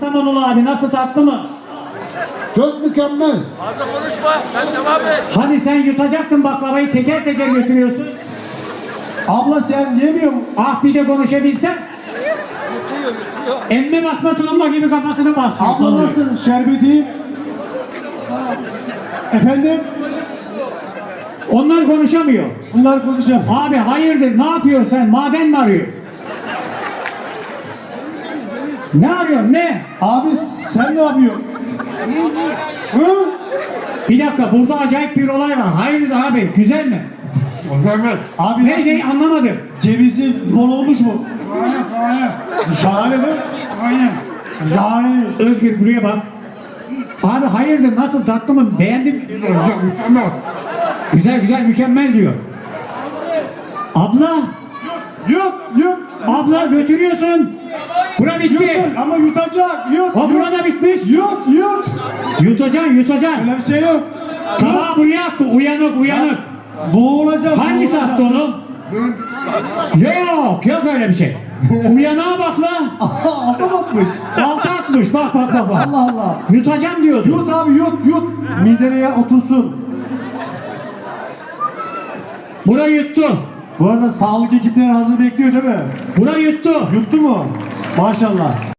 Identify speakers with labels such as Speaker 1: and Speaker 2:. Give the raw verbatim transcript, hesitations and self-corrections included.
Speaker 1: Kastamonulu abi nasıl, tatlı mı?
Speaker 2: Çok mükemmel.
Speaker 3: Fazla konuşma. Sen devam et.
Speaker 1: Hani sen yutacaktın baklavayı, teker teker götürüyorsun.
Speaker 2: Abla sen yemiyor musun?
Speaker 1: Ah bir de konuşabilsen.
Speaker 3: Yutuyor yutuyor.
Speaker 1: Emme basma tulumba gibi kafasını basıyor.
Speaker 2: Abla nasıl? Şerbeti? Efendim?
Speaker 1: Onlar konuşamıyor.
Speaker 2: Bunlar konuşalım.
Speaker 1: Abi hayırdır, ne yapıyorsun sen? Maden mi arıyor? Ne arıyorsun, ne?
Speaker 2: Abi sen ne yapıyorsun? Hı?
Speaker 1: Bir dakika, burada acayip bir olay var. Hayırdır abi, güzel mi?
Speaker 2: Mükemmel. Abi
Speaker 1: Ne ne anlamadım.
Speaker 2: cevizi bol olmuş mu?
Speaker 4: Hayır, hayır.
Speaker 2: Şahane değil mi?
Speaker 4: Hayır.
Speaker 2: Şahane.
Speaker 1: Özgür buraya bak. Abi hayırdır, nasıl, tatlı mı? Beğendin mi?
Speaker 2: Mükemmel.
Speaker 1: Güzel güzel, mükemmel diyor. Abla,
Speaker 2: Yut yut.
Speaker 1: abla götürüyorsun. Bura bitti.
Speaker 2: Yut ama yutacak. Yut.
Speaker 1: O
Speaker 2: yut.
Speaker 1: burada bitmiş.
Speaker 2: Yut yut.
Speaker 1: Yutacaksın, yutacaksın.
Speaker 2: Öyle bir şey yok.
Speaker 1: Tabağı buraya attı, uyanık uyanık.
Speaker 2: Boğulacak.
Speaker 1: Hangisi
Speaker 2: boğulacak.
Speaker 1: attı onu? Yok, yok öyle bir şey. Uyanığa bak lan.
Speaker 2: Adam atmış.
Speaker 1: Altı atmış, bak bak bak. bak.
Speaker 2: Allah Allah.
Speaker 1: Yutacağım diyordu.
Speaker 2: Yut abi yut yut. Midene otursun.
Speaker 1: Bura yuttu.
Speaker 2: Bu arada sağlık ekipleri hazır bekliyor değil mi?
Speaker 1: Bura yuttu.
Speaker 2: Yuttu mu? Maşallah.